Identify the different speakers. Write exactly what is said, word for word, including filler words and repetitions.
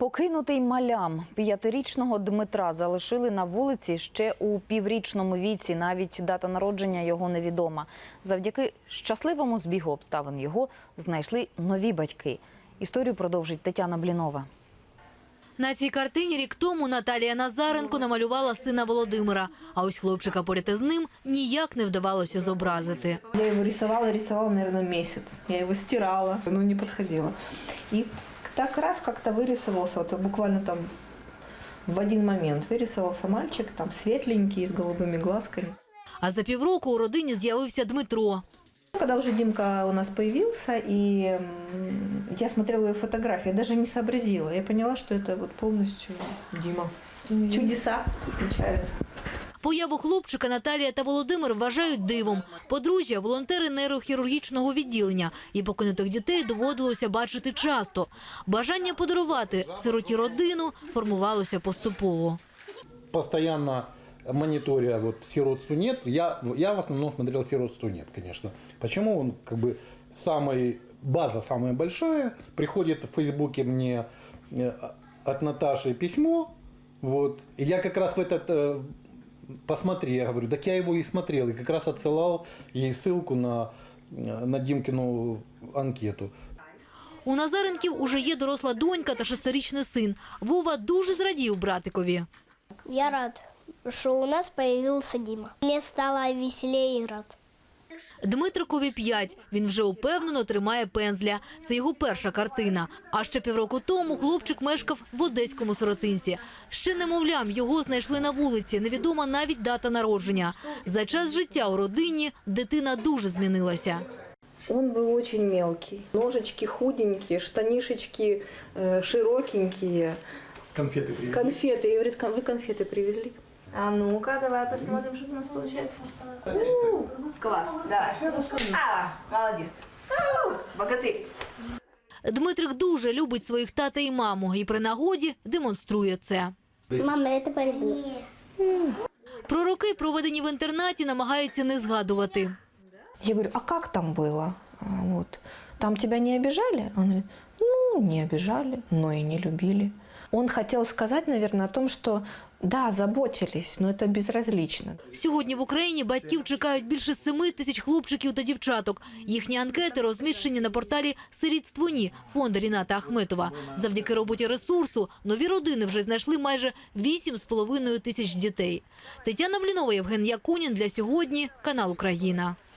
Speaker 1: Покинутий малям. П'ятирічного Дмитра залишили на вулиці ще у піврічному віці. Навіть дата народження його невідома. Завдяки щасливому збігу обставин його знайшли нові батьки. Історію продовжить Тетяна Блінова.
Speaker 2: На цій картині рік тому Наталія Назаренко намалювала сина Володимира. А ось хлопчика поряд із ним ніяк не вдавалося зобразити.
Speaker 3: Я його рисувала, рисувала, наверное, місяць. Я його стирала, ну не підходило. І так раз как-то вырисовался, вот буквально там в один момент вырисовался мальчик, там светленький, с голубыми глазками.
Speaker 2: А за півроку у родині з'явився Дмитро.
Speaker 3: Когда уже Димка у нас появился, и я смотрела ее фотографии, я даже не сообразила. Я поняла, что это вот полностью Дима. Чудеса случаются.
Speaker 2: Появу хлопчика Наталія та Володимир вважають дивом. Подружжя – волонтери нейрохірургічного відділення. І покинутих дітей доводилося бачити часто. Бажання подарувати сироті родину формувалося поступово.
Speaker 4: Постоянно мониторя вот «Сиротству нет», я, я в основном смотрел «Сиротству нет», конечно. Почему? Он как бы самый, база самая большая. Приходит в Фейсбуке мне от Наташи письмо. Вот, и я как раз в этот... Посмотри, я говорю, так я его и смотрел, и как раз отсылал ей ссылку на, на Димкину анкету.
Speaker 2: У Назаренків уже є доросла донька та шестирічний син. Вова дуже зрадів братикові.
Speaker 5: Я рад, що у нас появився Дима. Мені стало веселее грати.
Speaker 2: Дмитрикові п'ять. Він вже упевнено тримає пензля. Це його перша картина. А ще півроку тому хлопчик мешкав в одеському сиротинці. Ще немовлям його знайшли на вулиці. Невідома навіть дата народження. За час життя у родині дитина дуже змінилася.
Speaker 3: Он был очень мелкий. Ножечки худенькие, штанишечки э, широкенькие.
Speaker 4: Конфеты привезли.
Speaker 3: Конфеты. И говорит, вы конфеты привезли? А ну-ка, давай посмотрим, что у нас получается.
Speaker 6: Класс, давай. А, молодец. Богатырь.
Speaker 2: Дмитрик дуже любить своїх тата і маму. І при нагоді демонструє це.
Speaker 5: Мама, я тебе люблю.
Speaker 2: Про роки, проведені в інтернаті, намагається не згадувати.
Speaker 3: Я говорю, а как там было? Вот. Там тебя не обижали? Он говорит, ну, не обижали, но и не любили. Он хотел сказать, наверное, о том, что да, заботились, но это безразлично.
Speaker 2: Сьогодні в Україні батьків чекають більше семи тисяч хлопчиків та дівчаток. Їхні анкети розміщені на порталі «Сирітство ні» фонду Ріната Ахметова. Завдяки роботі ресурсу нові родини вже знайшли майже вісім з половиною тисяч дітей. Тетяна Блінова, Євген Якунін. Для сьогодні. Канал Україна.